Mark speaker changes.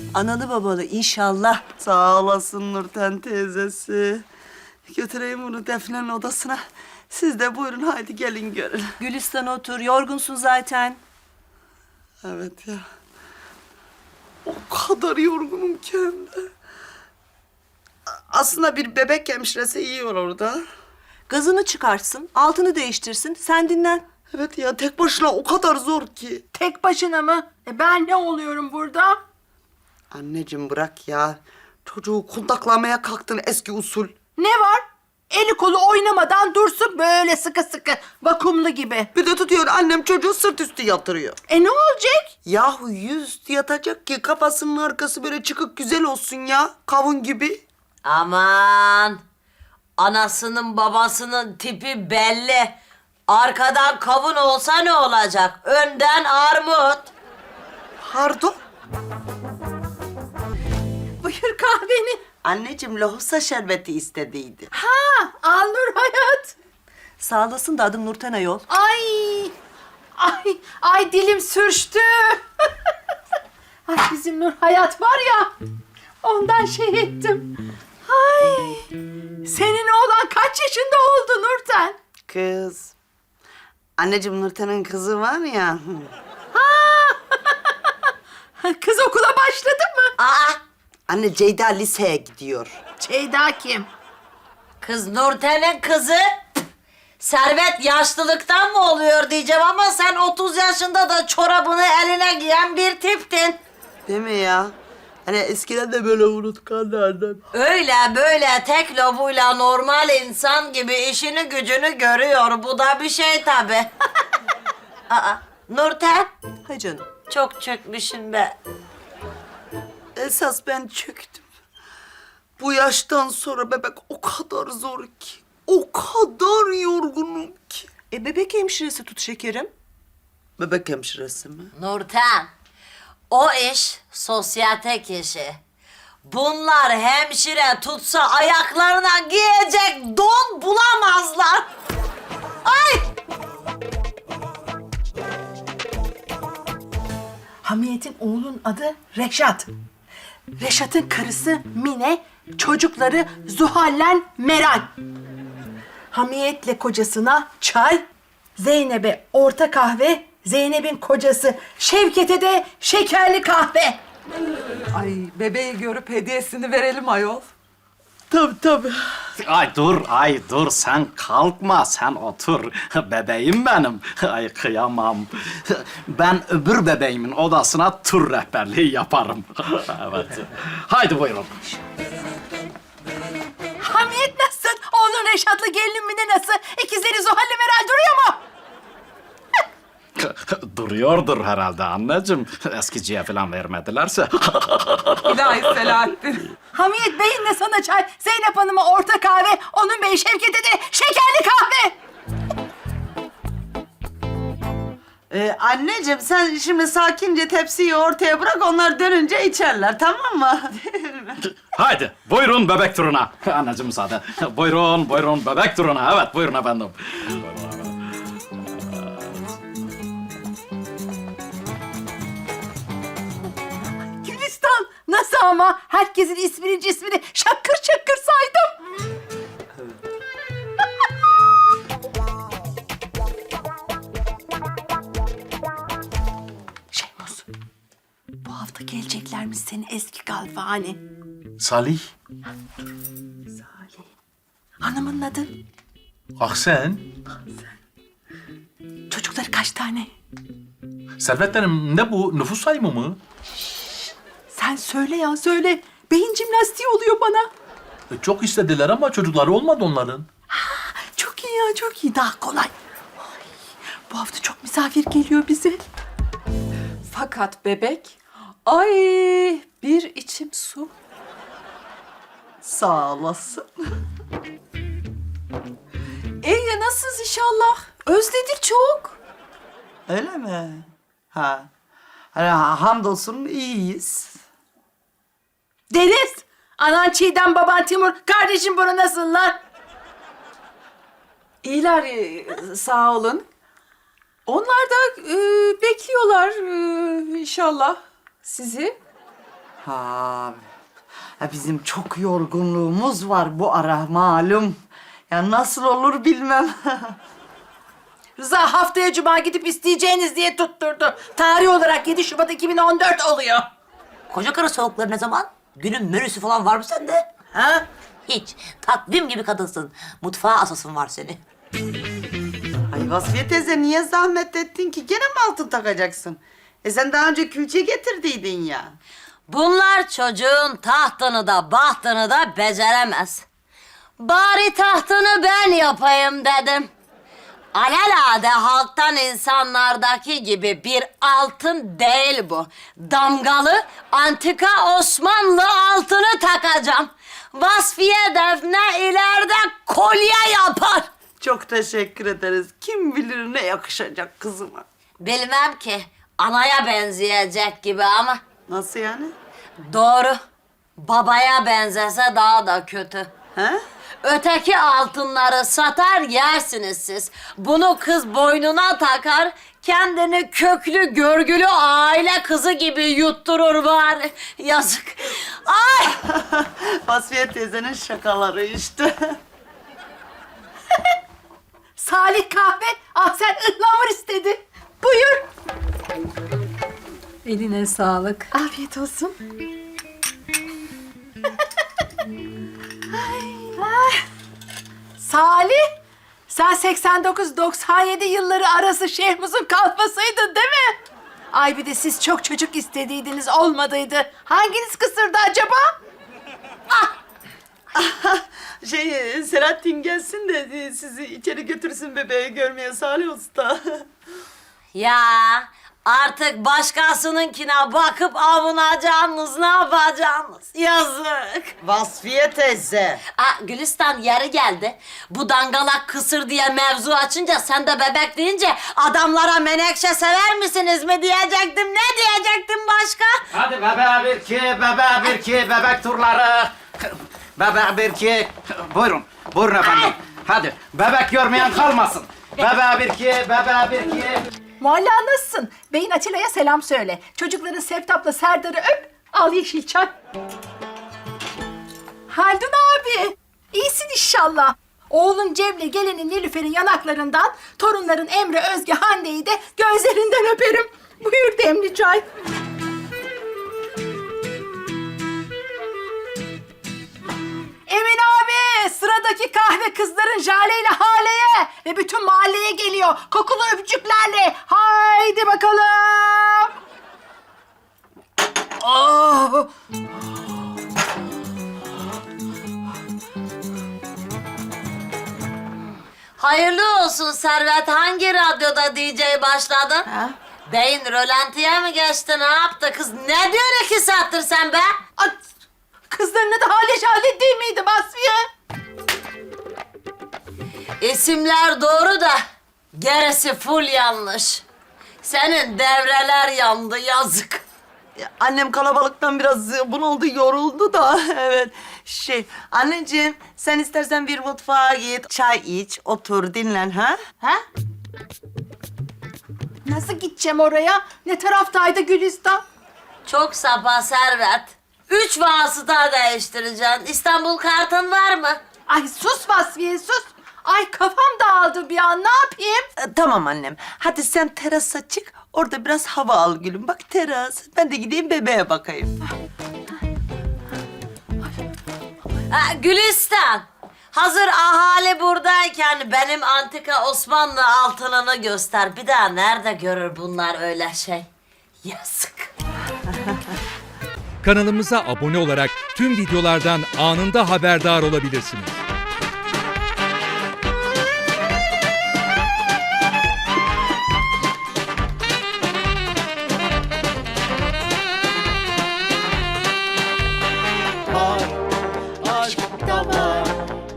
Speaker 1: Analı babalı inşallah.
Speaker 2: Sağ olasın Nurten teyzesi. Götüreyim bunu Defne'nin odasına. Siz de buyurun haydi gelin görün.
Speaker 1: Gülistan otur, yorgunsun zaten.
Speaker 2: Evet ya. O kadar yorgunum ki hem de. Aslında bir bebek hemşiresi iyi olur orada.
Speaker 1: Gazını çıkartsın, altını değiştirsin, sen dinlen.
Speaker 2: Evet ya tek başına o kadar zor ki.
Speaker 3: Tek başına mı? Ben ne oluyorum burada?
Speaker 2: Anneciğim bırak ya. Çocuğu kundaklamaya kalktın eski usul.
Speaker 3: Ne var? Eli kolu oynamadan dursun böyle sıkı sıkı, vakumlu gibi.
Speaker 2: Bir de tutuyor annem çocuğu sırt üstü yatırıyor.
Speaker 3: Ne olacak?
Speaker 2: Yahu yüz yatacak ki kafasının arkası böyle çıkık güzel olsun ya. Kavun gibi.
Speaker 4: Aman! Anasının babasının tipi belli. Arkadan kavun olsa ne olacak? Önden armut.
Speaker 2: Pardon.
Speaker 3: Buyur kahveni.
Speaker 2: Anneciğim lohusa şerbeti istediydi.
Speaker 3: Ha, al Nur Hayat.
Speaker 1: Sağ olasın da adım Nurten Ayol.
Speaker 3: Ay dilim sürçtü. Ay bizim Nur Hayat var ya, ondan şey ettim. Ay, senin oğlan kaç yaşında oldu Nurten?
Speaker 2: Kız. Anneciğim Nurten'in kızı var ya.
Speaker 3: Kız okula başladı mı?
Speaker 4: Aa!
Speaker 2: Anne Ceyda liseye gidiyor.
Speaker 3: Ceyda kim?
Speaker 4: Kız Nurten'in kızı. Servet yaşlılıktan mı oluyor diyeceğim ama sen 30 yaşında da çorabını eline giyen bir tiptin.
Speaker 2: Değil mi ya? Hani eskiden de böyle unutkanlardan.
Speaker 4: Öyle böyle tek lobuyla normal insan gibi işini gücünü görüyor. Bu da bir şey tabii. Aa, Nurten,
Speaker 1: Hay canım.
Speaker 4: çok çökmüşsün be.
Speaker 2: Esas ben çöktüm. Bu yaştan sonra bebek o kadar zor ki. O kadar yorgunum ki.
Speaker 1: Bebek hemşiresi tut şekerim.
Speaker 2: Bebek hemşiresi mi?
Speaker 4: Nurten, o iş sosyetek işi. Bunlar hemşire tutsa ayaklarına giyecek don bulamazlar. Ay!
Speaker 3: Hamiyet'in oğlunun adı Reşat. Reşat'ın karısı Mine, çocukları Zuhal'le Meral. Hamiyet'le kocasına çay, Zeynep'e orta kahve, Zeynep'in kocası Şevket'e de şekerli kahve.
Speaker 5: Ay bebeği görüp hediyesini verelim ayol.
Speaker 2: Tabii.
Speaker 6: Ay dur sen kalkma sen otur. Bebeğim benim. Ay kıyamam. Ben öbür bebeğimin odasına tur rehberliği yaparım. Evet. Haydi buyurun.
Speaker 3: Hamiyet nasıl? Oğlun Reşat'la gelinin Mine nasıl? İkizleri Zuhal'le Meral duruyor mu?
Speaker 6: Duruyordur herhalde anneciğim. Eskiciye falan vermedilerse.
Speaker 5: İlahi Selahattin.
Speaker 3: Hamiyet Bey'in de sana çay, Zeynep Hanım'a orta kahve, onun Bey Şevket'e de şekerli kahve.
Speaker 2: Anneciğim sen şimdi sakince tepsiyi ortaya bırak onlar dönünce içerler tamam mı?
Speaker 6: Haydi buyurun bebek turuna. Anneciğim müsaade. Buyurun bebek turuna. Evet buyurun efendim.
Speaker 3: Gülistan nasıl ama? Herkesin ismini cismini şakır şakır saydım. Şeymus, bu hafta geleceklermiş senin eski galvani.
Speaker 7: Salih,
Speaker 3: Salih. Hanımın adı?
Speaker 7: Ahsen.
Speaker 3: Çocukları kaç tane?
Speaker 7: Servetlerim ne bu? Nüfus sayımı mı?
Speaker 3: Sen söyle ya söyle. Beyin jimnastiği oluyor bana.
Speaker 7: Çok istediler ama çocukları olmadı onların.
Speaker 3: Çok iyi ya çok iyi. Daha kolay. Ay, bu hafta çok misafir geliyor bize.
Speaker 5: Fakat bebek, ay bir içim su.
Speaker 2: Sağ olasın.
Speaker 5: Ya nasılsınız inşallah? Özledik çok.
Speaker 2: Öyle mi? Ha. Hani hamdolsun iyiyiz.
Speaker 3: Deniz, anan Çiğdem, baban Timur, kardeşim Bora nasıllar?
Speaker 5: İyiler sağ olun. Onlar da bekliyorlar inşallah sizi.
Speaker 2: Ha, bizim çok yorgunluğumuz var bu ara malum. Ya nasıl olur bilmem.
Speaker 3: Rıza haftaya cuma gidip isteyeceğiniz diye tutturdu. Tarih olarak 7 Şubat 2014 oluyor.
Speaker 4: Koca karı soğukları ne zaman? Günün menüsü falan var mı sende? Ha? Hiç. Takvim gibi kadınsın. Mutfağa asasın var seni.
Speaker 2: Ay Vasfiye teyze niye zahmet ettin ki? Gene mi altın takacaksın? Sen daha önce külçe getirdiydin ya.
Speaker 4: Bunlar çocuğun tahtını da bahtını da beceremez. Bari tahtını ben yapayım dedim. Alelade halktan insanlardaki gibi bir altın değil bu. Damgalı antika Osmanlı altını takacağım. Vasfiye Defne ileride kolye yapar.
Speaker 2: Çok teşekkür ederiz. Kim bilir ne yakışacak kızıma.
Speaker 4: Bilmem ki anaya benzeyecek gibi ama
Speaker 2: Nasıl yani?
Speaker 4: doğru. Babaya benzese daha da kötü.
Speaker 2: He?
Speaker 4: Öteki altınları satar yersiniz siz. Bunu kız boynuna takar, kendini köklü görgülü aile kızı gibi yutturur bari. Yazık. Ay!
Speaker 2: Vasfiye teyzenin şakaları işte.
Speaker 3: Salih kahve, sen ıhlamur istedi. Buyur.
Speaker 5: Eline sağlık.
Speaker 3: Afiyet olsun. Salih, sen 89-97 yılları arası Şehmuz'un kalfasıydın değil mi? Ay bir de siz çok çocuk istediydiniz, olmadıydı. Hanginiz kısırdı acaba?
Speaker 2: Selahattin gelsin de sizi içeri götürsün bebeği görmeye Salih Usta.
Speaker 4: Ya artık başkasınınkine bakıp avunacaksınız, ne yapacaksınız? Yazık.
Speaker 2: Vasfiye teyze.
Speaker 4: Gülistan yeri geldi. Bu dangalak kısır diye mevzu açınca sen de bebek deyince adamlara menekşe sever misiniz mi diyecektim. Ne diyecektim başka?
Speaker 6: Hadi bebeğe bir ki, bebeğe bir ki, bebek turları. Bebeğe bir ki. Buyurun, buyurun efendim. Hadi, bebek görmeyen kalmasın. Bebeğe bir ki, bebeğe bir ki.
Speaker 3: Mualla nasılsın? Beyin Atilla'ya selam söyle. Çocukların Sevtap'la Serdar'ı öp. Al yeşil çay. Haldun abi. İyisin inşallah. Oğlun Cevle gelinin Nilüfer'in yanaklarından, torunların Emre, Özge, Hande'yi de gözlerinden öperim. Buyur demli çay. Emin abi, sıradaki kahve kızların Jale ile Hale'ye ve bütün mahalleye geliyor. Kokulu öpücüklerle. Haydi bakalım. Oh.
Speaker 4: Hayırlı olsun Servet. Hangi radyoda DJ başladın?
Speaker 2: Ha?
Speaker 4: Beyin rölantiye mi geçti? Ne yaptı kız? Ne diyorsun 2 saattir sen be?
Speaker 3: At. Kızların adı Hale Jale değil miydi Basriye?
Speaker 4: İsimler doğru da gerisi full yanlış. Senin devreler yandı, yazık.
Speaker 2: Annem kalabalıktan biraz bunaldı, yoruldu da evet. Anneciğim sen istersen bir mutfağa git, çay iç, otur, dinlen ha? Ha?
Speaker 3: Nasıl gideceğim oraya? Ne taraftaydı Gülistan?
Speaker 4: Çok sapa Servet. 3 vasıta değiştireceksin. İstanbul kartın var mı?
Speaker 3: Ay sus Vasfiye sus. Ay kafam dağıldı bir an, ne yapayım?
Speaker 2: Tamam annem. Hadi sen terasa çık, orada biraz hava al gülüm. Bak teras. Ben de gideyim bebeğe bakayım.
Speaker 4: Gülistan. Hazır ahali buradayken benim antika Osmanlı altınını göster. Bir daha nerede görür bunlar öyle şey? Yazık.
Speaker 8: Kanalımıza abone olarak tüm videolardan anında haberdar olabilirsiniz.